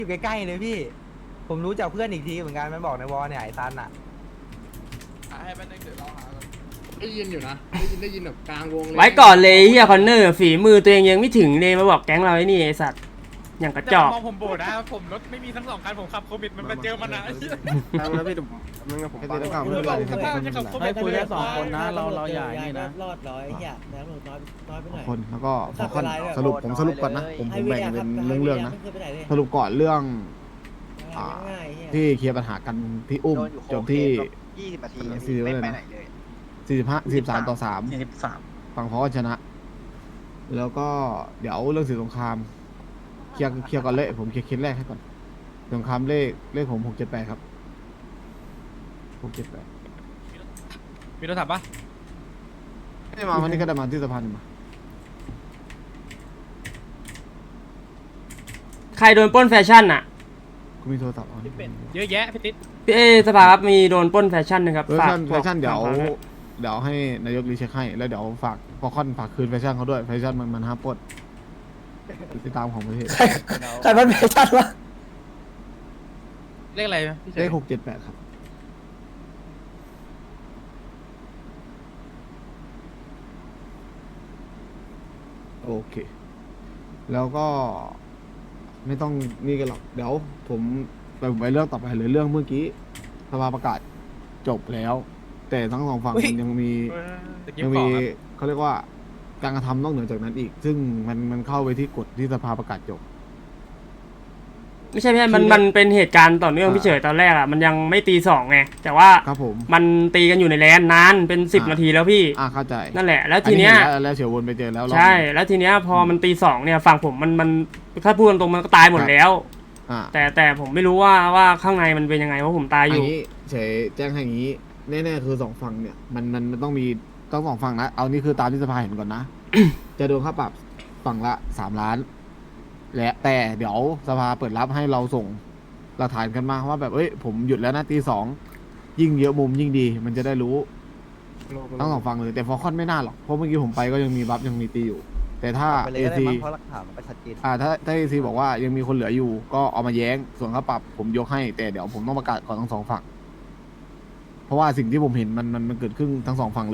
อยู่ใกล้ๆเลยพี่ผมรู้จากเพื่อนอีกทีเหมือนกันมันบอกในวอลเนี่ยไอ้ซันอ่ะให้แป๊บนึงเดี๋ยวเราหาได้ยินอยู่นะได้ยินแบบกลางวงเลยไว้ก่อนเลยเฮียคอนเนอร์ฝีมือตัวเองยังไม่ถึงเลยมาบอกแก๊งเราไอ้นี่ไอสัตว์อย่างกระจอกมองผมโบดนะผมรถไม่มีทั้ง2 คันผมขับโควิดมันมาเจอมันนะแล้วพี่มึงกับผมไปเดี๋ยวก่อนสภาพจะขับโควิให้ดคุยแค่2 คนนะเราอย่าอย่างนี้นะรอดร้อยเหี้ยน้ำหนูน้อยไปหน่อยคนแล้วก็ขอขั้นสรุปผมสรุปก่อนนะผมแบ่งเป็นเรื่องๆนะสรุปก่อนเรื่องที่เคลียร์ปัญหากันที่อุ้มจบที่ 20 นาทีไม่ไปไหนเลย43-3ฝั่งพอชนะ แล้วก็เดี๋ยวเรื่องสื่อสงครามเคลียร์ก่อนเลยผมเคลียร์เคสแรกให้ก่อนสงครามเลขผม678ครับ678 มีโทรศัพท์ปะไม่มาวันนี้ก็ได้มาที่สะพานมาใครโดนปล้นแฟชั่นอ่ะกูมีโทรศัพท์เอาเยอะแยะพี่ติ๊ดพี่สภาครับมีโดนปล้นแฟชั่นนะครับแฟฝากชั่นเดี๋ยวฝากด้วยให้นายกรีเช็คให้แล้วเดี๋ยวฝากพอค่อนฝากคืนแฟชั่นเขาด้วยแฟชั่นมันห้ามปล้นติดตามของประเทศใครมันไม่ชัดวะเลขอะไรพี่เฉเลย ข678ครับโอเค แล้วก็ไม่ต้องนี่กันหรอกเดี๋ยวผมไปเรื่องต่อไปเลยเรื่องเมื่อกี้สภาประกาศจบแล้ว แต่ทั้งสองฝั่งมันยังมีตะกี้ยังขอมีครับเขาเรียกว่าการกระทำนอกเหนือจากนั้นอีก ซึ่งมันเข้าไปที่กฎที่สภาประกาศจบไม่ใช่มันเป็นเหตุการณ์ต่อเนื่องพี่เฉยตอนแรกอ่ะมันยังไม่ตี 2ไงแต่ว่าครับผมมันตีกันอยู่ในแลนนานเป็น10 นาทีแล้วพี่เข้าใจนั่นแหละ แล้วทีเนี้ยอัห็แล้วเฉียววนไปเจอแล้วรอบใช่หนึ่งแล้วทีเนี้ยพอมันตี 2เนี่ยฝั่งผมมันถ้าพูดตรงๆมันก็ตายหมดแล้วอ่าแต่ผมไม่รู้ว่าข้างในมันเป็นยังไงเพราะผมตายอยู่นนี้เฉยแจ้งให้อย่างนี้แน่ๆคือสองฝั่งเนี่ยมันต้องมีต้องสองฝั่งนะเอานี่คือตามที่สภาเห็นก่อนนะ จะโดนค่าปรับฝั่งละ3 ล้าน และแต่เดี๋ยวสภาเปิดรับให้เราส่งหลักฐานกันมาว่าแบบเอ้ยผมหยุดแล้วนะตี 2ยิ่งเยอะมุมยิ่งดี มันจะได้รู้ทั้งสองฝั่งเลยแต่ฟอร์คอนไม่น่าหรอกเพราะเมื่อกี้ผมไปก็ยังมีบัฟยังมีตีอยู่ แต่ถ้าไปเลเอยก็ได้ซีมั้งเพราะหลักฐานมันก็ชัดเจนถ้าเอซีบอกว่ายังมีคนเหลืออยู่ ก็เอามาแย้งส่วนค่าปรับผมยกให้ แต่เดี๋ยวผมต้องประกาศก่อนทั้งสองฝั่งเพราะว่าสิ่งที่ผมเห็นมันเกิดขึ้นทั้งสองฝั่งเลย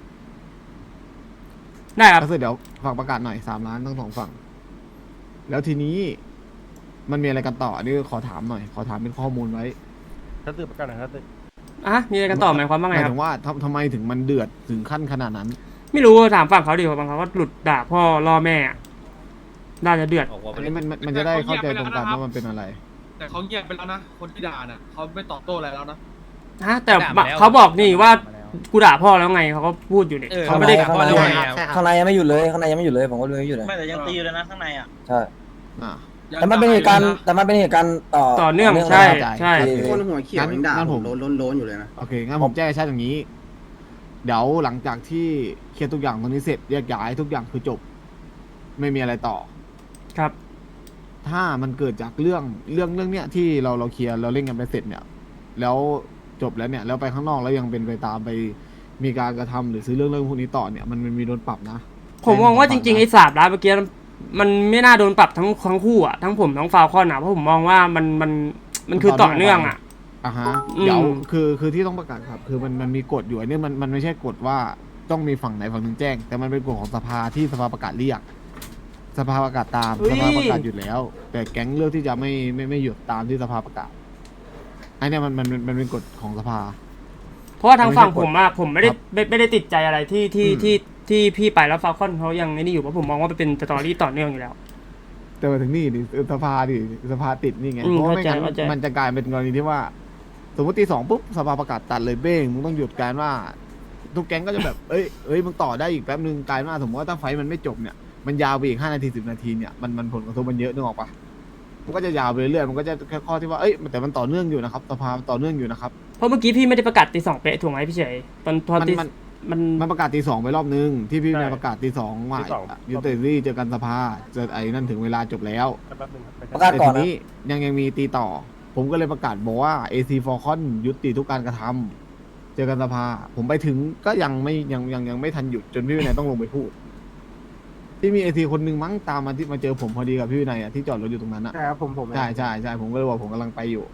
ได้ครับก็คือเดี๋ยวฝากประกาศหน่อย3 ล้านทั้งสองฝั่ง แล้วทีนี้มันมีอะไรกันต่ออันนี้ขอถามหน่อย ขอถามเป็นข้อมูลไว้ถ้าตื่นประกันหน่อยถ้าตื่นอ่ะมีอะไรกันต่อหมายความว่าหไงมายครัถึบงว่าทำไมถึงมันเดือดถึงขั้นขนาดนั้นไม่รู้ถามฝั่งเขาดิเพราะบางเขาก็หลุดด่าพ่อล่อแม่อะน่าจะเดือดอันนี้มันจะได้เข้าใจตรงกันว่ามันเป็นอะไรแต่เขาเงียบไปแล้วนะคนที่ด่าน่ะเขาไม่ตอบโต้อะไรแล้วนะฮะแต่ด่ามาแล้วเขาบอกนี่ว่ากูด่าพ่อแล้วไงเขาก็พูดอยู่เนี่ยเออเขาไม่ได้ข้างในข้างในยังไม่หยุดเลยข้างในยังไม่หยุดเลยผมก็เลยไม่หยุดเลยไม่แต่ยังตีอยู่เลยนะข้างในอ่ะใช่อ่าแต่มันเป็นเหตุการณ์ต่อเนื่องใช่ใช่คนหัวเขียวยังด่างั้นผผมมโล้นอยู่เลยนะโอเค งั้นผมแจ้งให้ชัดอย่างนี้ เดี๋ยวหลังจากที่เคลียร์ทุกอย่างตรงนี้เสร็จแยกย้ายทุกอย่างคือจบ ไม่มีอะไรต่อครับถ้ามันเกิดจากเรื่องเนี้ยที่เราเคลียร์เราเล่นกันไปเสร็จเนี่ย แล้วจบแล้วเนี่ยแล้วไปข้างนอกแล้วยังเป็นไปตามไปมีการกระทำหรือซื้อเรื่องพวกนี้ต่อเนี่ยมันมีโดนปรับนะผมมองว่าจริงๆไอ้3 ล้านเมื่อกี้มันไม่น่าโดนปรับทั้งคู่อ่ะทั้งผมทั้งฟาวคอนอ่ะเพราะผมมองว่ามันคือต่อเนื่องอ่ะอ่ะฮะอืมเดี๋ยวคือที่ต้องประกาศครับ คือมันมีกฎอยู่อันนี้มันไม่ใช่กฎว่าต้องมีฝั่งไหนฝั่งหนึ่งแจ้ง แต่มันเป็นกฎของสภาที่สภาประกาศเรียก สภาประกาศตามสภาประกาศหยุดแล้ว แต่แก๊งเลือกที่จะไม่หยุดตามที่สภาประกาศไอ้เนี่ยมันเป็นกฎของสภาเพราะว่าทางฝั่งผมอ่ะผมไม่ได้ครับไม่ได้ติดใจอะไรที่อืมที่พี่ไปแล้วฟาวคอนเขายังไอ้นี่อยู่เพราะผมมองว่ามันเป็นสตอรี่ต่อเนื่องอยู่แล้วแต่มาถึงนี่ดิสภาติดนี่ไงอืมเพราะว่าไม่งั้นเข้าใจมันจะกลายเป็นกรณีที่ว่า สมมติตี 2ปุ๊บสภาประกาศตัดเลยเบ้งมึงต้องหยุดการว่า ทุกแก๊งก็จะแบบ เอ้ยมึงต่อได้อีกแป๊บนึงกลายว่าสมมติว่าถ้าไฟท์มันไม่จบเนี่ยมันยาวไปอีก5 นาที10 นาทีเนี่ยมันผลกระทบมันเยอะนึกออกปะมันก็จะยาวไปเรื่อยๆมันก็จะแค่ข้อที่ว่าเอ้ยแต่มันต่อเนื่องอยู่นะครับสภาต่อเนื่องอยู่นะครับเพราะเมื่อกี้พี่ไม่ได้ประกาศตี 2เป๊ะถูกไหมพี่เฉยตอนตีมันมันมันประกาศตี 2ไปรอบนึงที่พี่ใช่นายประกาศตี 2ว่าตีสองยูเตอรี่เจอกันสภาเจอไอ้นั่นถึงเวลาจบแล้วแป๊บนึงครับประกาศก่อนแต่ทีนะนี้ยังมีตีต่อ ผมก็เลยประกาศบอกว่า AC Falcon ยุติทุกการกระทำเจอกันสภา ผมไปถึงก็ยังไม่ทันหยุดจนพี่วินัยต้องลงไปพูดที่มีATคนหนึ่งมั้งตามมาที่มาเจอผมพอดีกับพี่วินัยอ่ะที่จอดรถอยู่ตรงนั้นอ่ะใช่ครับผมใช่ใช่ใช่ผมก็เลยบอกผมกำลังไปอยู่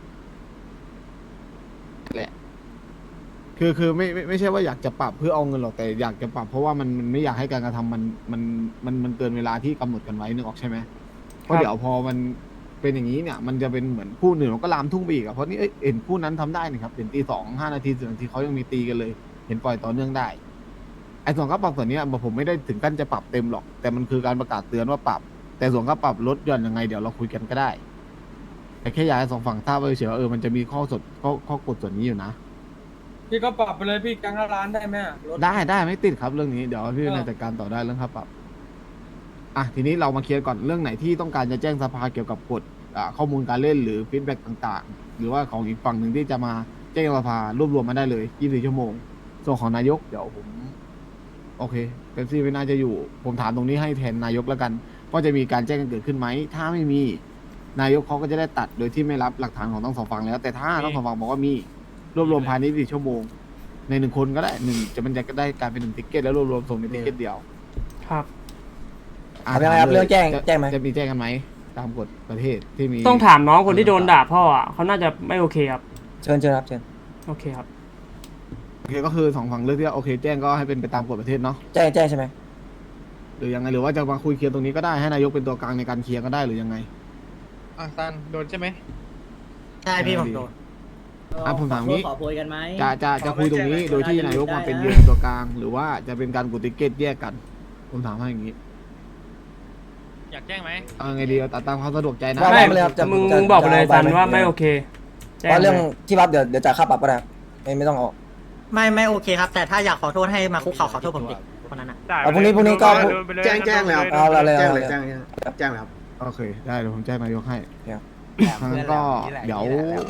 แหละคือไม่ใช่ว่าอยากจะปรับเพื่อเอาเงินหรอกแต่อยากจะปรับเพราะว่ามันไม่อยากให้การกระทำมันเกินเวลาที่กำหนดกันไว้นึกออกใช่ไหมเพราะเดี๋ยวพอมันเป็นอย่างนี้เนี่ยมันจะเป็นเหมือนคู่หนึ่งมันก็ลามทุ่งไปอีกอะเพราะนี่เห็นคู่นั้นทำได้นี่ครับเห็นตี 2 5 นาที10 นาทีเขายังมีตีกันเลย เห็นปล่อยต่อเนื่องได้ไอ้ส่วนค่าปรับส่วนเนี้ยผมไม่ได้ถึงขั้นจะปรับเต็มหรอกแต่มันคือการประกาศเตือนว่าปรับ แต่ส่วนค่าปรับลดหย่อนยังไงเดี๋ยวเราคุยกันก็ได้แต่แค่อยากให้สองฝั่งทราบไว้เฉยว่ามันจะมีข้อกฎส่วนนี้อยู่นะพี่ก็ปรับไปเลยพี่กลางร้านได้ไหมรถได้ไม่ติดครับเรื่องนี้เดี๋ยวพี่นายจัดการต่อได้เรื่องค่าปรับอ่ะทีนี้เรามาเคลียร์ก่อนเรื่องไหนที่ต้องการจะแจ้งสภาเกี่ยวกับกฎข้อมูลการเล่นหรือฟีดแบ็กต่างๆ หรือว่าของอีกฝั่งหนึ่งที่จะมาแจ้งสภารวบรวมมาได้เลย24 ชั่วโมงส่วนของนายกเดี๋ยวผมโอเคเป๊ปซี่ไม่น่าจะอยู่ผมถามตรงนี้ให้แทนนายกแล้วกันว่าจะมีการแจ้งกันเกิดขึ้นไหมถ้าไม่มีนายกเขาก็จะได้ตัดโดยที่ไม่รับหลักฐานของทั้งสองฝั่งแล้วแต่ถ้าทั้งสองฝั่งบอกว่ามีรวบรวมภายใน24 ชั่วโมงใน1 คนก็ได้มันจะได้การเป็น1 ติ๊กเก็ตแล้วรวบรวมส่งในติ๊กเก็ตเดียวครับทำยังไงครับเรื่องแจ้งไหมจะมีแจ้งกันไหมตามกฎประเทศที่มีต้องถามน้องคนที่โดนด่าพ่ออ่ะเขาน่าจะไม่โอเคครับเชิญครับเชิญโอเคครับโอเคก็คือสองฝั่งเลือกที่ว่าโอเคแจ้งก็ให้เป็นไปตามกฎประเทศเนาะแจ้งใช่ไหมหรือยังไงหรือว่าจะมาคุยเคลียร์ตรงนี้ก็ได้ให้นายกเป็นตัวกลางในการเคลียร์ก็ได้หรือยังไงซันโดนใช่ไหมใช่พี่ผมโดนผมถามงี้ขอโพยกันไหมจะคุยตรงนี้โดยที่นายกมาเป็นยืนตัวกลาง หรือว่าจะเป็นการกดติ๊กเก็ตแยกกันผมถามให้อย่างนี้อยากแจ้งไหมเอาไงดีเอาตามความสะดวกใจนะไม่เลยครับจะมึงบอกไปเลยซันว่าไม่โอเคแจ้เพราะเรื่องลยที่รับเดี๋ยวจ่ายค่าปรับก็ได้ไม่ต้องออกไม่โอเคครับ แต่ถ้าอยากขอโทษให้มาคุกเข่าขอโทษผมดิคนนั้นอ่ะเอาพรุ่งนี้ก็แจ้งแล้วเอาเลยแจ้งแล้วครับโอเคได้เดี๋ยวผมแจ้งนายกให้ทางนั้นก็เดี๋ยว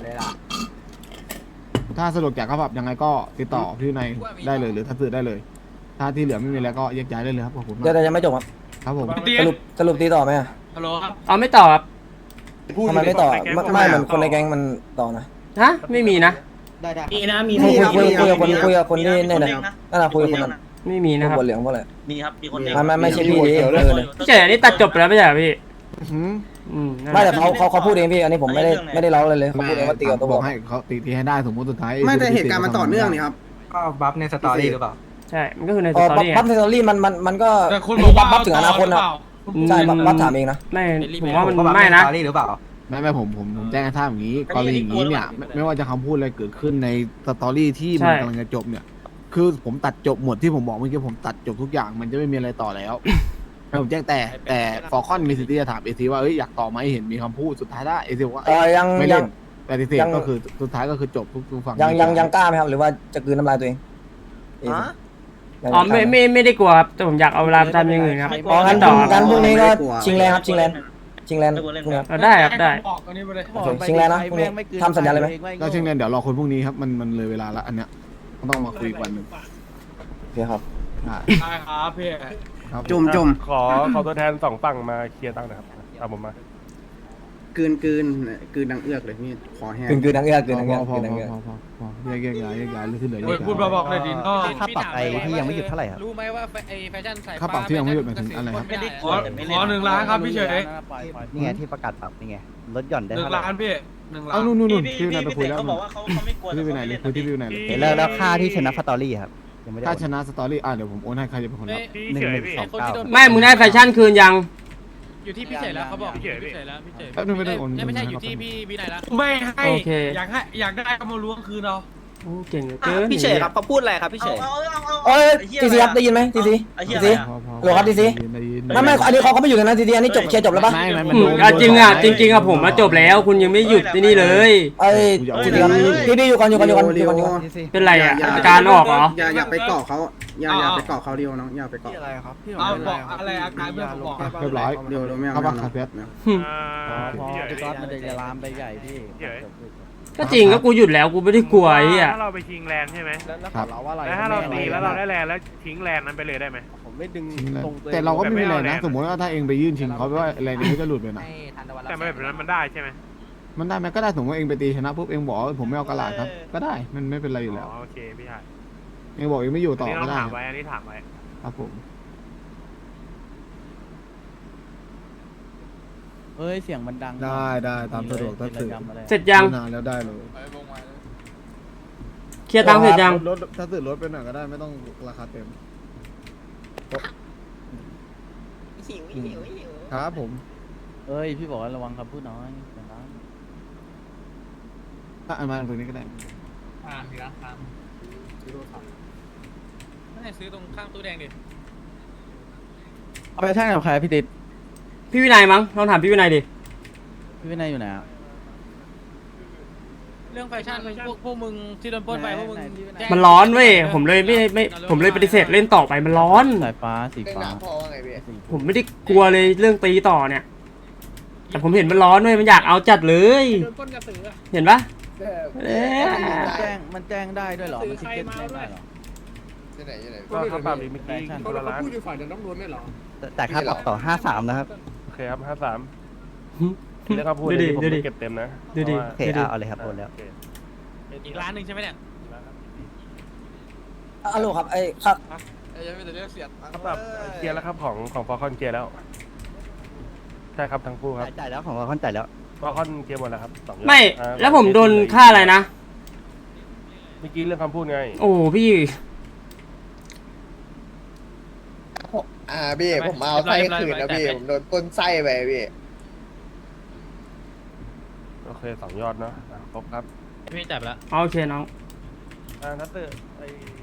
ถ้าสะดวกจากค่าปรับยังไงก็ติดต่อพี่นายได้เลยหรือถ้าสื่อได้เลย ถ้าที่เหลือไม่มีแล้วก็แยกย้ายได้เลยครับขอบคุณมากเดี๋ยวยังไม่จบครับครับผมสรุปตีต่อไหมฮัลโหลครับเอาไม่ต่อครับทำไมไม่ต่อไม่เหมือนคนในแก๊งมันต่อนะฮะไม่มีนะมีนะมีคุยกับคนที่เนี่ยนั่นแหละคุยกับคนนั้นไม่มีนะครับหัวเหลืองเพราะอะไรมีครับ มีคนเดียวไม่ใช่พี่ดิพี่เฉยอันนี้ตัดจบไปแล้วไม่ใช่เหรอพี่หืมนั่นแหไม่ละแต่เขาพูดเองพี่อันนี้ผมไม่ได้เล่าเลยเขาพูดเองว่าตีกับตัวบอกให้เขาตีให้ได้สมมติสุดท้ายไม่แต่เหตุการณ์มันต่อเนื่องนี่ครับก็บัฟในสตอรี่หรือเปล่าใช่มันก็คือในสอ๋อตอรี่บัฟเซอรี่มันก็แต่คุณบอกว่าบัฟถึงอนาคตนะใช่บัฟถามเองนะไม่ผมว่ามันก็บัฟไม่นะสตอรี่หรือเปล่าไม่ผมแจ้งให้ทราบอย่างนี้กรณีอย่างนี้เนี่ยไม่ว่าจะคำพูดอะไรเกิดขึ้นในสตอรี่ที่มันกำลังจะจบเนี่ย คือผมตัดจบหมดที่ผมบอกเมื่อกี้ผมตัดจบทุกอย่างมันจะไม่มีอะไรต่อแล้วผมแจ้งแต่ฟอร์คอนมีสิทธิ์ที่จะถามเอซีว่าอยากต่อไหมเห็นมีคำพูดสุดท้ายได้เอซีบอกว่ายังไม่เล่นปฏิเสธก็คือสุดท้ายก็คือจบทุกฝั่งยังกล้าไหมครับหรือว่าจะกลืนน้ำลายตัวเองอ๋อไม่ได้กลัวครับแต่ผมอยากเอาเวลาไปทำอย่างอื่นครับอ๋องั้นต่องั้นพรุ่งนี้ก็ชิงแลนครับชิงแลนพรุ่งนี้เอาได้ครับได้บอกอันนี้ไปเลยโอเคชิงแลนนะพรุ่งนี้ทำสัญญาเลยไหมก็เช่นนั้นเดี๋ยวรอคนพรุ่งนี้ครับมันเลยเวลาละอันเนี้ยต้องมาคุยอีกวันหนึ่งโอเคครับได้ครับพี่ครับจุ่มขอตัวแทน2 ฝั่งมาเคลียร์ตังค์หนะครับเอาผมมากลืนดังเอื้อกเลยพี่ขอแห้งกลืนนังเอื้อกลืนนังเอื้อกพอลืนนังเอื้อกแยกย้ายเรื่องที่เหลือแยกย้ายพูดบอกเลยดินก็ค่าปรับไปที่ยังไม่หยุดเท่าไหร่ครับรู้ไหมว่าไอ้แฟชั่นใส่ค่าปรับที่ยังไม่หยุดหมายถึงอะไรครับขอ1 ล้านครับพี่เฉยนี่ไงที่ประกาศปรับนี่ไงลดหย่อนได้ 1 เท่าไหร่ล้านพี่1 ล้านเอานู่นพี่วินัยไปคุยแล้วเขาบอกว่าเขาไม่กลัวพี่วินัยเลยคุยที่พี่วินัยเลยเห็นแล้วค่าที่ชนะสตอรี่ครับยังไม่ได้ถ้าชนะสตอรี่เดี๋ยวผมโอนให้ใครจะเป็นคนรับ 1129 ไม่มึงได้แฟชั่นคืนยังอยู่ที่พี่เฉยแล้วเขาบอกพี่เฉยพี่เฉยแล้วพี่เฉยแป๊บนึงไม่ได้โอนไม่ใช่อยู่ที่พี่วินัยแล้วไม่ให้โอเคอยากได้ก็มาล้วงคืนเราโอ้เก่งเหลือเกินพี่เฉยครับเขาพูดอะไรครับพี่เฉยเอ้ยทีซีครับได้ยินไหมทีซีไอ้เหี้ยทีอะไรซีอะโหลครับทีซีไม่อันนี้เขาไม่อยู่เลยนะทีซีอันนี้จบเคลียร์จบแล้วปะเอาจริงอ่ะจริงๆอ่ะผมมาจบแล้วคุณยังไม่หยุดที่นี่เลยเอ้ยทีซีครับพี่อยู่ก่อนเป็นไรอ่ะการออกเหรออย่าไปเกาะเขาอย่าไปเกาะเขาเดียวน้องอย่าไปเกาะเอาบอกอะไรอาการเพื่อนผมบอกเรียบร้อยเดียวไม่เอาครับครับเพื่อนพี่ก๊อตมันจะลามไปใหญ่พี่ก็จริงก็กูหยุดแล้วกูไม่ได้กลัวไอ้เหี้ยถ้าเราไปชิงแลนด์ใช่ไหมครับแล้วถ้าเราตีแล้วเราได้แลนด์แล้วทิ้งแลนด์นั้นไปเลยได้ไหมผมไม่ดึงแต่เราก็ไม่มีอะไรนะสมมติว่าถ้าเองไปยื่นชิงเขาว่าอะไรนี้จะหลุดไปนะแต่แบบนั้นมันได้ใช่ไหมมันได้ไหมก็ได้สมมติว่าเองไปตีชนะปุ๊บเองบอกผมไม่เอากระดาษครับก็ได้มันไม่เป็นไรอยู่แล้วโอเคพี่ชายเองบอกเองไม่อยู่ต่อนี่ก็เราได้ถามไว้อันนี้ถามไว้ครับผมเอ้ยเสียงมันดังได้ตามสะดวกถ้าสื่อเสร็จยังนานแล้วได้เลยเคลียร์ตังค์เสร็จยังรถถ้าสื่อรถไปหน่อยก็ได้ไม่ต้องราคาเต็มหิวครับผมเอ้ยพี่บอกว่าระวังคำพูดน้อยเสียงดังถ้าอันมาตรงนี้ก็ได้มีร้านค้าไม่ซื้อตรงข้างตู้แดงดิเอาไปแท่งกับใครพี่ติดพี่วินัยมั้งลองถามพี่วินัยดิพี่วินัยอยู่ไหนอ่ะเรื่องแฟชั่นพวกมึงที่โดนปล้นไปพวกมึงแจ้งมันร้อนเว้ยผมเลยไม่ผมเลยปฏิเสธเล่นต่อไปมันร้อนสายฟ้าสีฟ้าผมไม่ได้กลัวเลยเรื่องตีต่อเนี่ย แต่ผมเห็นมันร้อนเว้ยมันอยากเอาจัดเลยโดนปล้นกระสือเห็นปะเอ๊ะมันแจ้งได้ด้วยเหรอมันติดเก็ตแจ้งได้เหรอก็ค่าปรับอีกเมื่อกี้คนละล้านแต่ค่าปรับต่อ53นะครับโอเคครับ53เรื่องคำพูดนี้ผมไม่เก็บเต็มนะดูดิโอเคเอาเลยครับโอนแล้วอีกร้านหนึ่งใช่ไหมเนี่ยฮัลโหลครับไอ้ครับค่าปรับเคลียร์แล้วครับของฟอลคอนเคลียร์แล้วใช่ครับทั้งคู่ครับจ่ายแล้วของเราค่อนจ่ายแล้วฟอลคอนเคลียร์หมดแล้วครับ2ยอดไม่แล้วผมโดนค่าอะไรนะเมื่อกี้เรื่องคำพูดไงโอ้พี่พี่ผมเอาไส้คืนนะพี่ผมโดนปล้นไส้ไปพี่โอเค2 ยอดเนาะครบครับพี่จับแล้วโอเคน้องนัตเตอร์ไอ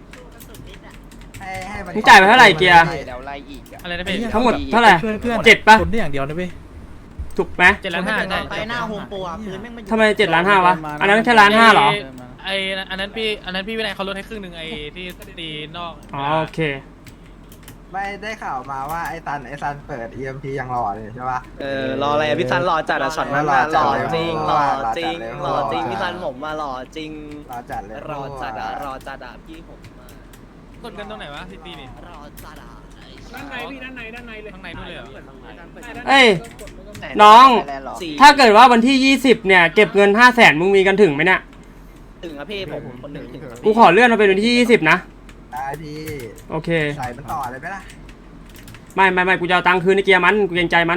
ให้มันมึงจ่ายไปเท่าไหร่เกียร์เดี๋ยวไล่อีกอะไรนะพี่ทั้งหมดเท่าไหร่7ปะคนได้อย่างเดียวนะพี่ถูกไหม 7,500,000ได้ไปหน้าโฮมโปรอ่ะพื้นแม่งมันทำไม7,500,000วะอันนั้นแค่1,500,000เหรอไออันนั้นพี่วินัยเขาลดให้ครึ่งหนึ่งไอที่ตีนอกอ๋อโอเคไม่ได้ข่าวมาว่าไอ้ซันเปิด EMP ยังหล่อเลยใช่ปะรออะไรพี่ซันรอจัดอะช็อตนั้นอะหล่อจริงหล่อจริงหล่อจริงพี่ซันผมมาหล่อจริงรอจัดเลยรอจัดอะพี่ผมมากดกันตรงไหนวะที่ตีนี่รอจัดอะด้านในพี่ด้านในเลยข้างในนู่นเลยเหรอเอ้ย น้องสี่ถ้าเกิดว่าวันที่20เนี่ยเก็บเงิน500,000มึงมีกันถึงไหมเนี่ยถึงอะพี่ผมคนหนึ่งถึงกูขอเลื่อนมาเป็นวันที่20นะได้พี่โอเคใส่มันต่อเลยไหมล่ะไม่กูจะเอาตังค์คืนในเกียร์มันกูเกรงใจมัน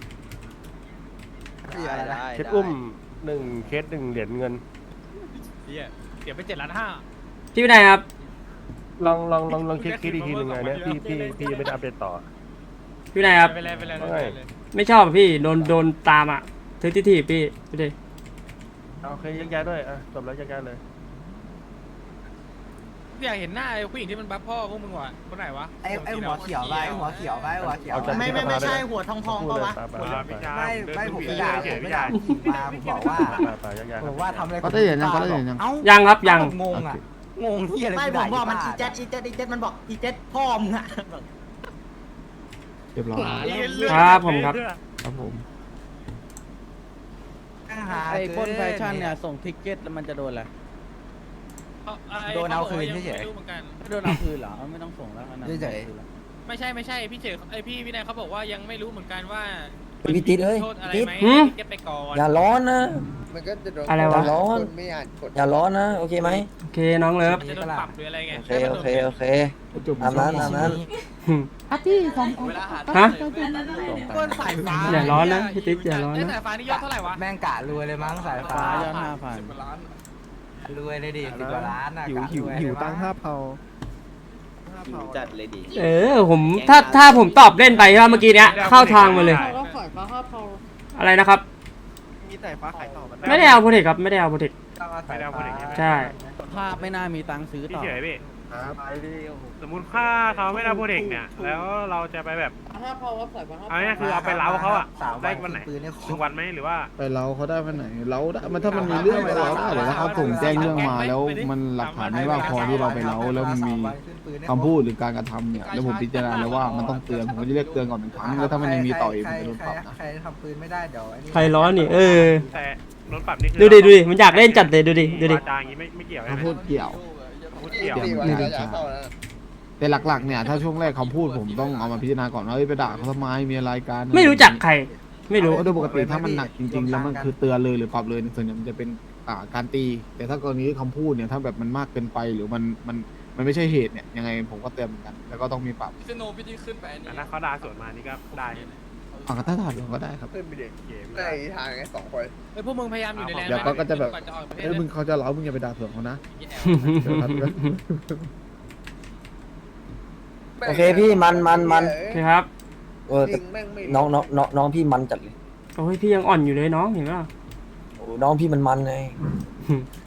พี่อะไรนะเคสอุ้ม1 เคส1 เหรียญเงินเดี๋ยวไป7,500,000 พี่วินัยครับลองเช็คคิดอีกทีหนึ่งไงเนี่ยพี่ยังไม่ได้อัปเดตต่อพี่วินัยครับไปเลยไม่ชอบอะพี่โดนตามอ่ะเทสทีพี่ดูดิโอเคแยกย้ายด้วยจบแล้วแยกย้ายเลยอยากเห็นหน้าไอ้ผู้หญิงที่มันบัฟพ่อพวกมึงว่ะคนไหนวะไอ้หัวเขียวไปหัวเขียวไปหัวเขียวไม่ใช่หัวทองปะวะไม่ผมไม่ด่าผมไม่ด่ามาผมบอกว่าไปแยกย้ายผมว่าทำอะไรเขาได้เห็นยังเขาได้เห็นยังเอ้ายังครับยังงงอ่ะงงที่อะไรไม่ผมบอกมันอีเจ็ดมันบอกอีเจ็ดพ่อมึงอ่ะเรียบร้อยครับผมครับครับผมไอ้ปล้นแฟชั่นเนี่ยส่งทิกเก็ตแล้วมันจะโดนอะไรโดนเอาคืนเฉยไม่รู้เหมือนกันไม่โดนเอาคืนเหรอไม่ต้องส่งแล้วนะเฉยไม่ใช่พี่เฉยไอพี่วินัยเขาบอกว่ายังไม่รู้เหมือนกันว่าพี่ติ๊ดเอ้ยโทษอะไรติ๊ดไหมหืมเก็บไปก่อนอย่าร้อนนะมันก็จะโดนอะไรวะร้อนคนไม่อ่านกฎอย่าร้อนนะโอเคไหมโอเคน้องเลิฟมันจะโดนปรับหรืออะไรไงโอเคตามนั้นฮะปล้นสายฟ้าอย่าร้อนนะพี่ติ๊กอย่าร้อนนะสายฟ้านี่ยอดเท่าไหร่วะแม่งกะรวยเลยมั้งสายฟ้าฟ้ายอด5,000 รวยเลยดิ10 กว่าล้านนะกะรวยหิวตังค์5,000 จัดเลยดิผมถ้าผมตอบเล่นไปใช่ไหมเมื่อกี้เนี้ยเข้าทางมาเลย อะไรนะครับมีสายฟ้าขายต่อมันไม่ได้เอาโปรเทคครับไม่ได้เอาโปรเทคใช่ภาพไม่น่ามีตังค์ซื้อต่อสมมุติค่าเขาไม่ได้โปรเด็กเนี่ยแล้วเราจะไปแบบเอาเนี่ยคือเอาไปเล้าเขาอะได้วันไหนปืนเนี่ย 1 วันไหมหรือว่าไปเราเขาได้วันไหนเราได้มันถ้ามันมีเรื่องไปเราได้เลยนะครับผมแจ้งเรื่องมาแล้วมันหลักฐานไม่ว่าพอที่เราไปเราแล้วมันมีคำพูดหรือการกระทำเนี่ยแล้วผมพิจารณาแล้วว่ามันต้องเตือนผมก็จะเรียกเตือนก่อน1 ครั้งแล้วถ้ามันยังมีต่ออีกผมจะโดนปรับนะใครทำปืนไม่ได้เดี๋ยวใครร้อนนี่แต่รถปรับนี่คือดูดิมันอยากเล่นจัดเลยดูดิวาจาอย่างงี้ไม่เกี่ยวใช่ไหมคำพูดเกี่ยวพูดเกี่ยวดีกว่าอย่าเข้าแล้วแต่หลักๆเนี่ยถ้าช่วงแรกคำพูดผมต้องเอามาพิจารณาก่อนว่าไปด่าเขาทำไมมีอะไรกันไม่รู้จักใคร ไม่รู้โดยปกติถ้ามันหนักจริงๆแล้วมันคือเตือนเลยหรือปรับเลยส่วนใหญ่มันจะเป็นการตี แต่ถ้ากรณีคำพูดเนี่ยถ้าแบบมันมากเกินไปหรือมันไม่ใช่เหตุเนี่ยยังไงผมก็เตือนเหมือนกันแล้วก็ต้องมีปรับแต่ถ้าเขาด่าสวนมานี่ก็ได้เอาก็ถ้าถอดลงก็ได้ครับในทางไง2 คนเฮ้ยพวกมึงพยายามอยู่ในแลนด์เดี๋ยวก็จะแบบก่อนจะออกประเทศเอ้ยมึงเขาจะเล้ามึงอย่าไปด่าเผื่อเขานะโอเคพี่มันโอเคครับเออแต่น้องพี่มันจัดเลยโอ้ยพี่ยังอ่อนอยู่เลยน้องเห็นไหมล่ะโอ้น้องพี่มันไง